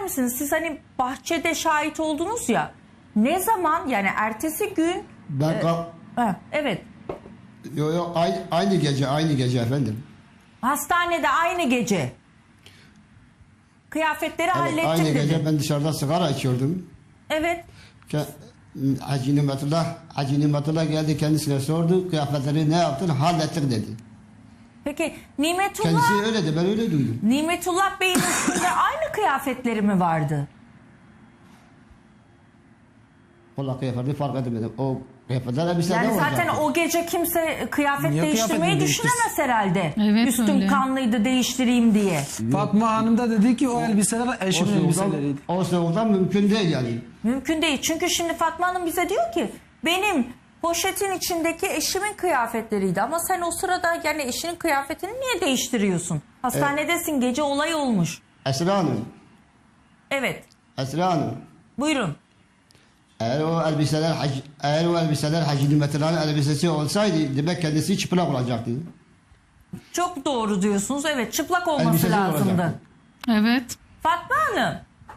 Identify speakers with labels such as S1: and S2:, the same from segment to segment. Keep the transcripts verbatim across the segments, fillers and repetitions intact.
S1: misiniz? Siz hani bahçede şahit oldunuz ya. Ne zaman, yani ertesi gün?
S2: Ben
S1: e,
S2: kal-
S1: ha, evet.
S2: yo, yo, aynı, aynı gece aynı gece efendim.
S1: Hastanede aynı gece. Kıyafetleri
S2: Evet,
S1: hallettim
S2: aynı
S1: dedi.
S2: gece ben dışarıda sigara içiyordum.
S1: Evet.
S2: Ke- Hacı Nimetullah, Hacı Nimetullah geldi kendisine sordu. Kıyafetleri ne yaptın? Hallettik dedi.
S1: Peki Nimetullah,
S2: Kendisi öyle de ben öyle duydum.
S1: Nimetullah Bey'in üstünde aynı kıyafetleri mi vardı?
S2: Valla kıyafeti fark edemedim. O kıyafetler elbise
S1: Yani
S2: ne olacak?
S1: zaten o gece kimse kıyafet
S3: Niye
S1: değiştirmeyi
S3: kıyafetini
S1: düşünemez herhalde.
S4: Evet,
S1: Üstüm
S4: öyle.
S1: kanlıydı, değiştireyim diye.
S3: Fatma Hanım da dedi ki o elbiseler
S2: O
S3: eşimin
S2: soğuktan,
S3: elbiseleriydi.
S2: o soğuktan mümkün değil yani.
S1: Mümkün değil. Çünkü şimdi Fatma Hanım bize diyor ki benim poşetin içindeki eşimin kıyafetleriydi. Ama sen o sırada yani eşinin kıyafetini niye değiştiriyorsun? Hastanedesin, gece olay olmuş.
S2: Esra Hanım,
S1: Evet.
S2: Esra Hanım.
S1: Buyurun.
S2: Eğer o elbiseler, hac- eğer o elbiseler Hacı Nimetullah'ın elbisesi olsaydı demek kendisi çıplak olacaktı.
S1: Çok doğru diyorsunuz. Evet, çıplak olması
S2: Elbisesi
S1: lazımdı.
S2: olacaktı.
S4: Evet.
S1: Fatma Hanım.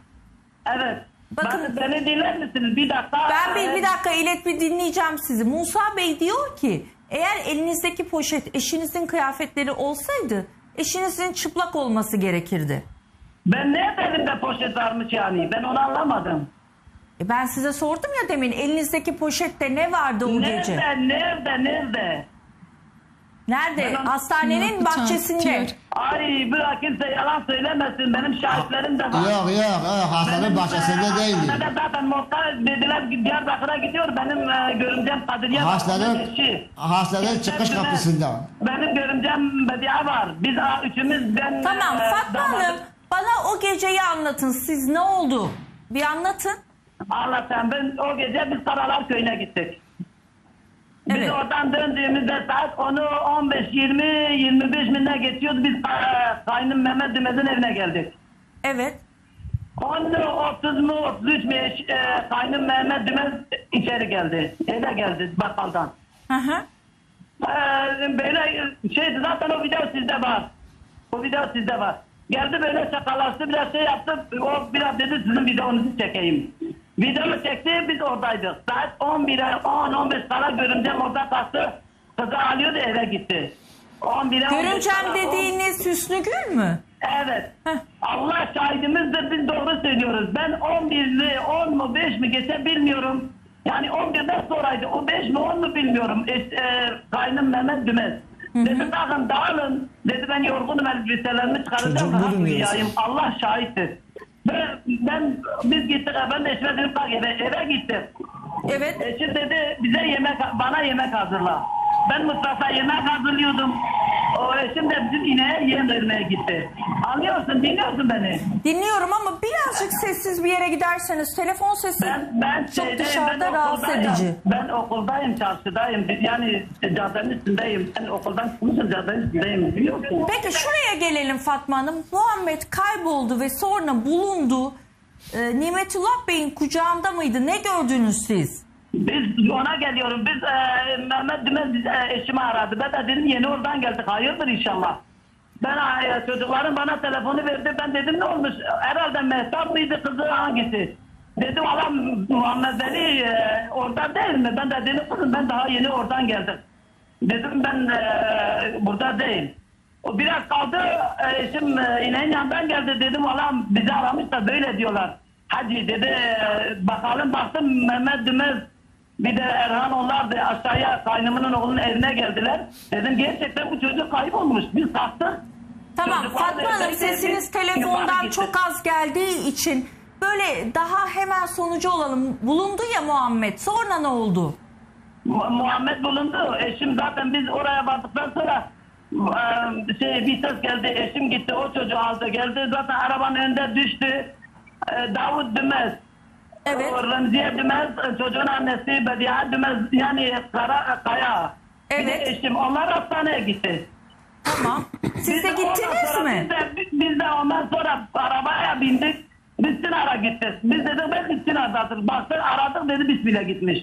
S5: Evet.
S1: Bakın-
S5: Ben, beni dinler misiniz? Bir dakika.
S1: Ben bir, bir
S5: Evet.
S1: dakika ilet bir dinleyeceğim sizi. Musa Bey diyor ki eğer elinizdeki poşet eşinizin kıyafetleri olsaydı eşinizin çıplak olması gerekirdi.
S5: Ben ne elimde poşet varmış yani? Ben onu anlamadım.
S1: E ben size sordum ya demin, elinizdeki poşette ne vardı o
S5: Nerede,
S1: gece?
S5: nerede, nerede?
S1: Nerede?
S5: Ben-
S1: Hastanenin
S4: Yok,
S1: bahçesinde.
S4: çarpıtıyor.
S5: Ay bırak kimse yalan söylemesin. Benim şahitlerim de var.
S2: Yok yok, yok hastanın
S5: Benim,
S2: bahçesinde
S5: e,
S2: değildi.
S5: hastanede zaten muhtar dediler ki Diyarbakır'a gidiyor. Benim e, görümcem Kadriye
S2: Hastanın,
S5: Bakır'ın eşi.
S2: hastanın çıkış
S5: Hepsine-
S2: kapısında.
S5: Benim görümcem Bedia var. Biz a, üçümüz ben...
S1: Tamam
S5: e,
S1: Fatma
S5: damadım-
S1: Hanım, bana o geceyi anlatın. Siz ne oldu? Bir anlatın.
S5: Anlatayım. Ben o gece biz Karalar Köyü'ne gittik. Biz
S1: Evet.
S5: oradan döndüğümüzde saat onu on beş yirmi yirmi beş minde geçiyordu. Biz e, kaynım Mehmet Dümez'in evine geldik.
S1: Evet.
S5: on otuz mu otuz üç mü e, kaynım Mehmet Dümez içeri geldi. Eve geldi bakkaldan.
S1: Hı hı.
S5: Ee, böyle şeydi zaten o video sizde var. O video sizde var. Geldi böyle şakalaştı biraz şey yaptı. O biraz dedi sizin videonuzu çekeyim. Videomu çekti biz oradaydık. Saat on bire on on beş kala görümcem orada kalktı. Kızı alıyordu eve gitti. on bire on beş
S1: Görümcem
S5: kala,
S1: dediğiniz Hüsnü Gül mü?
S5: Evet.
S1: Heh.
S5: Allah şahidimizdir biz doğru söylüyoruz. Ben on birli on mu beş mi geçe bilmiyorum. Yani on birden sonraydı. O beş mi on mu bilmiyorum. E, e, kaynım Mehmet Dümez. Dedi bakın dağılın. Dedi ben yorgunum elbiselerimi çıkaracağım.
S3: Çocuk
S5: Rahat
S3: bulunmuyor
S5: uyuyayım. Allah şahittir. Ben, ben biz gittik. Ben de eşime dedim bak eve, eve gittim.
S1: Evet.
S5: Eşim dedi bize yemek bana yemek hazırla. Ben mutfakta yemek hazırlıyordum. O eşim de bizim ineğe yem vermeye gitti. Anlıyorsun, dinliyorsun beni.
S1: Dinliyorum ama birazcık sessiz bir yere giderseniz, telefon sesi
S5: Ben ben
S1: çok
S5: şeydeyim,
S1: dışarıda
S5: ben
S1: rahatsız
S5: okuldayım.
S1: edici.
S5: Ben okuldayım, çarşıdayım. Yani caddenin üstündeyim. Ben okuldan çıkmışım, caddenin üstündeyim. Biliyorsun.
S1: Peki şuraya gelelim Fatma Hanım. Muhammed kayboldu ve sonra bulundu. Ee, Nimetullah Bey'in kucağında mıydı? Ne gördünüz siz?
S5: Biz ona geliyorum. Biz e, Mehmet Dümez biz, e, eşimi aradı. Ben de dedim yeni oradan geldik. Hayırdır inşallah. Ben e, çocuklarım bana telefonu verdi. Ben dedim ne olmuş? Herhalde Mehtap mıydı kızı hangisi? Dedim valla Muhammed Ali e, orada değil mi? Ben de dedim kızım ben daha yeni oradan geldim. Dedim ben e, burada değil. O biraz kaldı e, eşim e, ineğin yanından geldi. Dedim valla bizi aramış da böyle diyorlar. Hadi dedi e, bakalım baktım Mehmet Dümez bir de Erhan onlar da aşağıya kaynımının oğlunun evine geldiler. Dedim gerçekten bu çocuk kaybolmuş. Biz kalktık.
S1: Tamam
S5: Çocuklar
S1: Fatma
S5: da
S1: Hanım,
S5: evdeydi,
S1: sesiniz
S5: biz
S1: telefondan
S5: yukarı gittik.
S1: çok az geldiği için böyle daha hemen sonucu olalım. Bulundu ya Muhammed. Sonra ne oldu?
S5: Mu- Muhammed bulundu. Eşim zaten biz oraya vardıktan sonra e, şey bir ses geldi. Eşim gitti o çocuğu aldı geldi. Zaten arabanın önünde düştü. E, Davut Dümez.
S1: Evet.
S5: O Remziye Dümez çocuğun annesi Bedia Dümez yani Kara Kaya. Bir de
S1: Evet.
S5: eşim onlar hastaneye gitti.
S1: Tamam. Siz
S5: Biz
S1: de
S5: ondan
S1: gittiniz
S5: sonra
S1: mi?
S5: Biz de, biz de ondan sonra arabaya bindik. Biz Sinar'a gittik. Biz dedik belki Sinar'dadır. Baktık aradık dedi Bismillah gitmiş.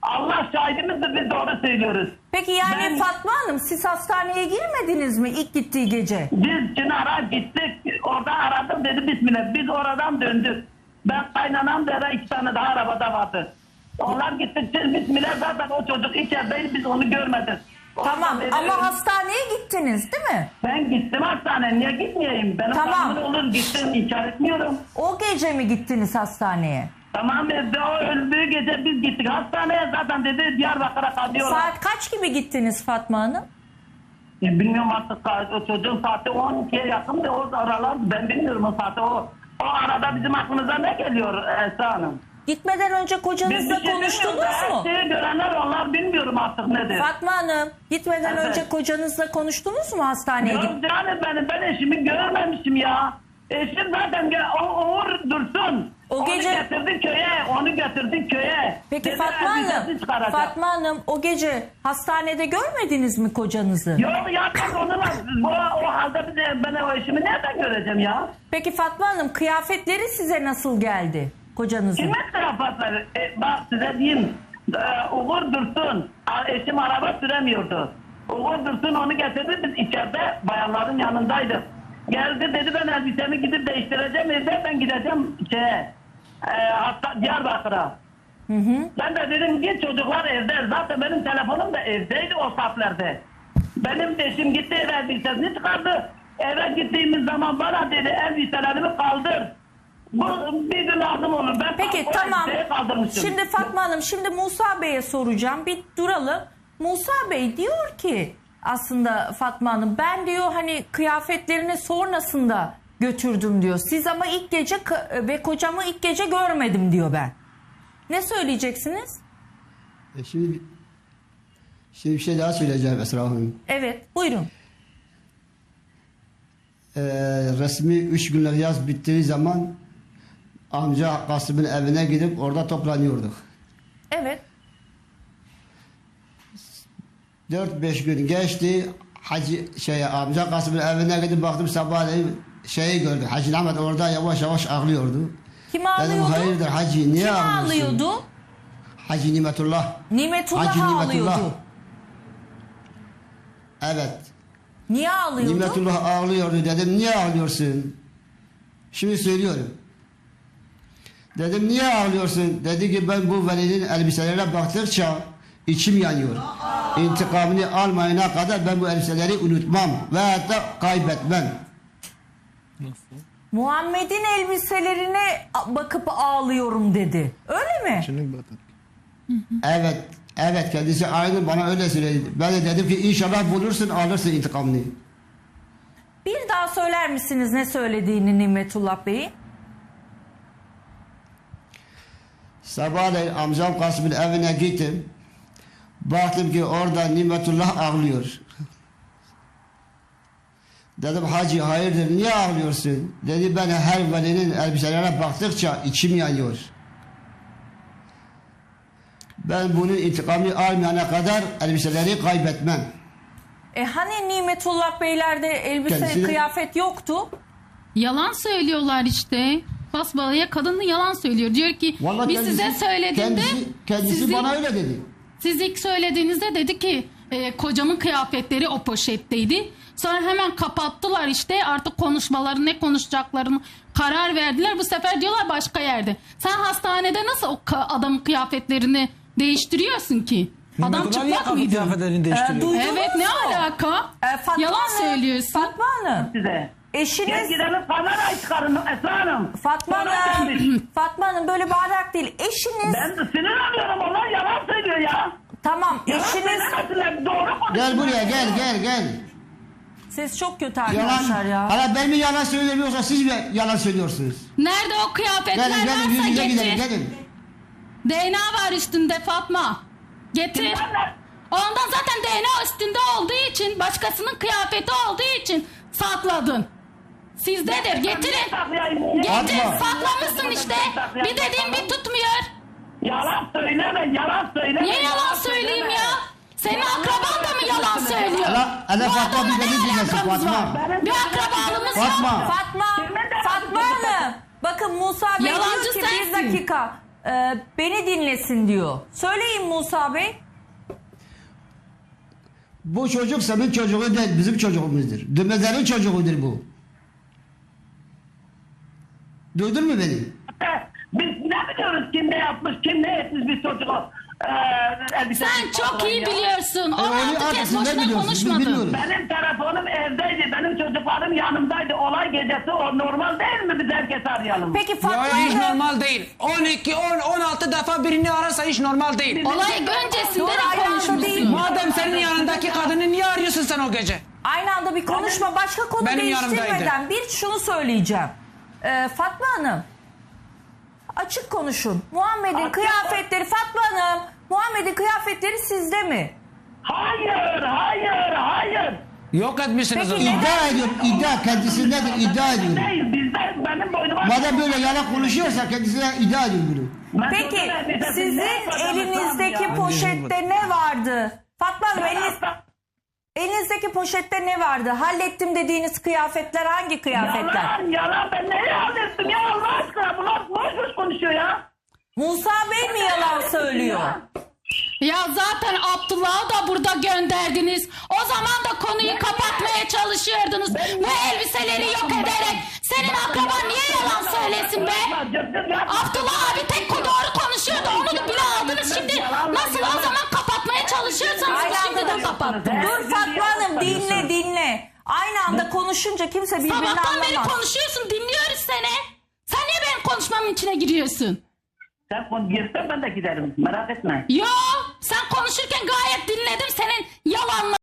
S5: Allah şahidimizdir, biz doğru söylüyoruz.
S1: Peki yani
S5: Ben-
S1: Fatma Hanım siz hastaneye girmediniz mi ilk gittiği gece?
S5: Biz Çınar'a gittik. Orada aradım dedi bismillah. Biz oradan döndük. Ben kaynanam da iki tane daha arabada vardı. Onlar gittik. Bismillah zaten o çocuk içerideydi. Biz onu görmedik.
S1: Tamam
S5: Oradan
S1: ama
S5: dedi-
S1: hastaneye gittiniz değil mi?
S5: Ben gittim hastaneye. Niye gitmeyeyim? Benim
S1: Tamam.
S5: tamam. olur gittim. İnkar etmiyorum.
S1: O gece mi gittiniz hastaneye?
S5: Tamam evde o öldüğü gece biz gittik. Hastaneye zaten dedi Diyarbakır'a kalıyorlar.
S1: Saat kaç gibi gittiniz Fatma Hanım?
S5: Ya bilmiyorum artık saat- o çocuğun saati on ikiye yakın da o aralar ben bilmiyorum o saati o. O arada bizim aklımıza ne geliyor Esra Hanım?
S1: Gitmeden önce
S5: Biz
S1: kocanızla
S5: bir şey
S1: konuştunuz
S5: bilmiyoruz.
S1: mu?
S5: Her şeyi görenler onlar bilmiyorum artık nedir.
S1: Fatma Hanım gitmeden
S5: Evet.
S1: önce kocanızla konuştunuz mu hastaneye gidip?
S5: Yok canım benim ben eşimi görmemişim ya. Eşim zaten ge- o Uğur Dursun.
S1: O
S5: onu
S1: gece-
S5: getirdi köye, onu getirdi köye.
S1: Peki
S5: Dedi,
S1: Fatma
S5: elbisesini
S1: Hanım,
S5: çıkaracak.
S1: Fatma Hanım o gece hastanede görmediniz mi kocanızı?
S5: Yok ya ben onunla o, o halde bir de ben o eşimi nereden göreceğim ya?
S1: Peki Fatma Hanım kıyafetleri size nasıl geldi kocanızın?
S5: Kime taraftarları? E, bak size diyeyim. E, Uğur Dursun. a- Eşim araba süremiyordu. Uğur Dursun onu getirdi. Biz içeride bayanların yanındaydık. Geldi dedi ben elbisemi gidip değiştireceğim evde ben gideceğim şeye. E, hatta Diyarbakır'a.
S1: Hı hı.
S5: Ben de dedim ki çocuklar evde. Zaten benim telefonum da evdeydi o saatlerde. Benim de eşim gitti eve elbisesini çıkardı. Eve gittiğimiz zaman bana dedi elbiselerimi kaldır. Bu bir gün lazım olur. Ben
S1: Peki
S5: o
S1: tamam.
S5: elbiseyi kaldırmışım.
S1: Şimdi Fatma Hanım şimdi Musa Bey'e soracağım. Bir duralım. Musa Bey diyor ki aslında Fatma Hanım ben diyor hani kıyafetlerini sonrasında götürdüm diyor. Siz ama ilk gece k- ve kocamı ilk gece görmedim diyor ben. Ne söyleyeceksiniz?
S2: E şimdi, şimdi bir şey daha söyleyeceğim Esra Hanım.
S1: Evet buyurun.
S2: Ee, resmi üç günlük yaz bittiği zaman amca Kasım'ın evine gidip orada toplanıyorduk.
S1: Evet.
S2: Dört beş gün geçti. Hacı şey amca Kasım'ın evine gidip baktım sabahleyin şeyi gördüm. Hacı Ahmet orada yavaş yavaş ağlıyordu.
S1: Kim
S2: Dedim
S1: ağlıyordu?
S2: hayırdır Hacı niye
S1: Kim
S2: ağlıyorsun?
S1: ağlıyordu?
S2: Hacı Nimetullah.
S1: Nimetullah
S2: Hacı Nimetullah.
S1: ağlıyordu.
S2: Evet.
S1: Niye ağlıyordu?
S2: Nimetullah ağlıyordu. Dedim niye ağlıyorsun? Şimdi söylüyorum. Dedim niye ağlıyorsun? Dedi ki ben bu velinin elbiselerine baktıkça içim yanıyor. İntikamını almayana kadar ben bu elbiseleri unutmam ve hatta kaybetmem.
S1: Muhammed'in elbiselerine bakıp ağlıyorum dedi. Öyle mi?
S2: Evet, evet kendisi aynı bana öyle söyledi. Ben de dedim ki inşallah bulursun alırsın intikamını.
S1: Bir daha söyler misiniz ne söylediğini Nimetullah Bey'in?
S2: Sabahleyin amcam Kasım'ın evine gittim. Baktım ki orada Nimetullah ağlıyor. Dedim hacı hayırdır niye ağlıyorsun? Dedi ben her velinin elbiselerine baktıkça içim yanıyor. Ben bunun intikamını almayana kadar elbiseleri kaybetmem.
S1: E hani Nimetullah Beylerde elbise
S2: Kendisi de-
S1: kıyafet yoktu?
S4: Yalan söylüyorlar işte. Basbalaya kadın yalan söylüyor. Diyor ki
S2: Vallahi
S4: biz
S2: kendisi-
S4: size söylediğinde
S2: kendisi, kendisi
S4: sizi-
S2: bana öyle dedi.
S4: siz ilk söylediğinizde dedi ki e, kocamın kıyafetleri o poşetteydi. Sonra hemen kapattılar işte artık konuşmaları ne konuşacaklarını karar verdiler. Bu sefer diyorlar başka yerde. Sen hastanede nasıl o ka- adamın kıyafetlerini değiştiriyorsun ki? Adam
S3: Nimetullah niye
S4: çıplak
S3: kapı
S4: mıydı?
S3: kıyafetlerini değiştiriyor?
S1: duydunuz
S4: Evet ne
S1: mu?
S4: alaka?
S1: E, Fatma
S4: Yalan
S1: Hanım,
S4: söylüyorsun.
S1: Fatma Hanım.
S5: size. Gel
S1: Eşiniz
S5: gidelim kamerayı çıkarın Esra Hanım.
S1: Fatma
S5: Sonra
S1: Hanım.
S5: gelmiş.
S1: Fatma Hanım böyle bağırarak değil. Eşiniz
S5: Ben de sinir alıyorum onlar yalan söylüyor ya.
S1: tamam
S5: Yalan
S1: eşiniz
S5: söylemesinler, doğru konuşsunlar.
S2: Gel buraya gel gel gel.
S1: siz çok kötü
S2: Yalan.
S1: arkadaşlar ya.
S2: Hala ben mi yalan söylüyorum yoksa siz mi yalan söylüyorsunuz?
S4: Nerede o kıyafetler
S2: Gelin gelin yüz
S4: varsa
S2: yüze
S4: getir.
S2: gidelim gelin.
S4: D N A var üstünde Fatma. Getir.
S5: Kimlerle?
S4: Ondan zaten D N A üstünde olduğu için, başkasının kıyafeti olduğu için sakladın. Sizdedir. Getirin. Getir.
S2: Fatma.
S4: Saklamışsın işte. Bir dediğin bir tutmuyor.
S5: Yalan söyleme, yalan söyleme.
S4: Niye yalan söyleyeyim ya? Senin akraban da mı yalan söylüyor?
S2: Hala, hala
S4: Bu
S2: Fatma
S4: adamla
S2: bir beni
S4: ne
S2: dinlesin
S4: alakamız var?
S2: Fatma.
S4: Bir akrabalığımız
S2: Fatma.
S4: yok.
S1: Fatma, Fatma Hanım. Bakın Musa Bey
S4: Yalancı
S1: diyor ki bir
S4: sensin.
S1: dakika. e, beni dinlesin diyor. Söyleyin Musa Bey.
S2: Bu çocuk senin çocuğu değil, bizim çocuğumuzdur. Dümezlerin çocuğudur bu. Duydun mu beni?
S5: Biz ne biliyoruz kim ne yapmış, kim ne etmiş biz çocuğu. Ee,
S4: Sen çok iyi biliyorsun.
S2: E,
S4: on
S2: onu
S4: altı
S2: artık
S4: kez
S2: siz ne
S4: boşuna
S2: biliyorsunuz? Biz
S4: konuşmadın.
S2: bilmiyoruz.
S5: Benim telefonum evdeydi, benim çocuklarım yanımdaydı. Olay gecesi o normal değil mi biz herkes arayalım?
S1: Peki Fatma
S3: Ya hiç
S1: Hanım.
S3: normal değil. on iki, on, on altı defa birini ararsa hiç normal değil.
S4: Olay öncesinde
S1: Doğru,
S4: de
S1: aynı anda değil.
S4: konuşmuşsun.
S3: Madem senin yanındaki kadını niye arıyorsun sen o gece?
S1: Aynı anda bir konuşma, başka konu
S3: Benim
S1: değiştirmeden
S3: yanımdaydı.
S1: bir şunu söyleyeceğim. Ee, Fatma Hanım, açık konuşun. Muhammed'in
S5: Açık-
S1: kıyafetleri, Fatma Hanım, Muhammed'in kıyafetleri sizde mi?
S5: Hayır, hayır, hayır.
S3: Yok etmişsiniz o
S1: Peki,
S3: zaman.
S2: İddia ediyorum, iddia kendisindedir, iddia ediyorum.
S5: Değil, bizde benim boynuma...
S2: Madem böyle yalan konuşuyorsa kendisine iddia ediyorum bunu.
S5: Ben
S1: Peki
S5: çocuğum elbisesini ne
S1: sizin
S5: yapacağım
S1: elinizdeki
S5: ya?
S1: poşette ne vardı? Fatma Hanım,
S5: Ben
S1: eliniz,
S5: hasta-
S1: elinizdeki poşette ne vardı? Hallettim dediğiniz kıyafetler hangi kıyafetler?
S5: Yalan, yalan. Ben neyi hallettim ya Allah aşkına? Bunlar boş boş konuşuyor ya.
S1: Musa Bey mi yalan söylüyor?
S4: Ya zaten Abdullah'ı da burada gönderdiniz. O zaman da konuyu kapatmaya çalışıyordunuz. Ve elbiseleri yok ederek. Senin akraban niye yalan söylesin be? Abdullah abi tek doğru konuşuyordu. Onu da bile aldınız şimdi. Nasıl o zaman kapatmaya çalışıyorsanız
S1: Aynı
S4: şimdi
S1: anda
S4: de
S1: da
S4: kapattınız.
S1: Dur Fatma Hanım, dinle dinle. Aynı anda konuşunca kimse birbirini
S4: Sabahtan beri
S1: anlamaz.
S4: konuşuyorsun, dinliyoruz seni. Sen niye benim konuşmamın içine giriyorsun?
S5: Sen konu girsen ben de giderim. Merak etme.
S4: Yo, sen konuşurken gayet dinledim senin yalanlarını.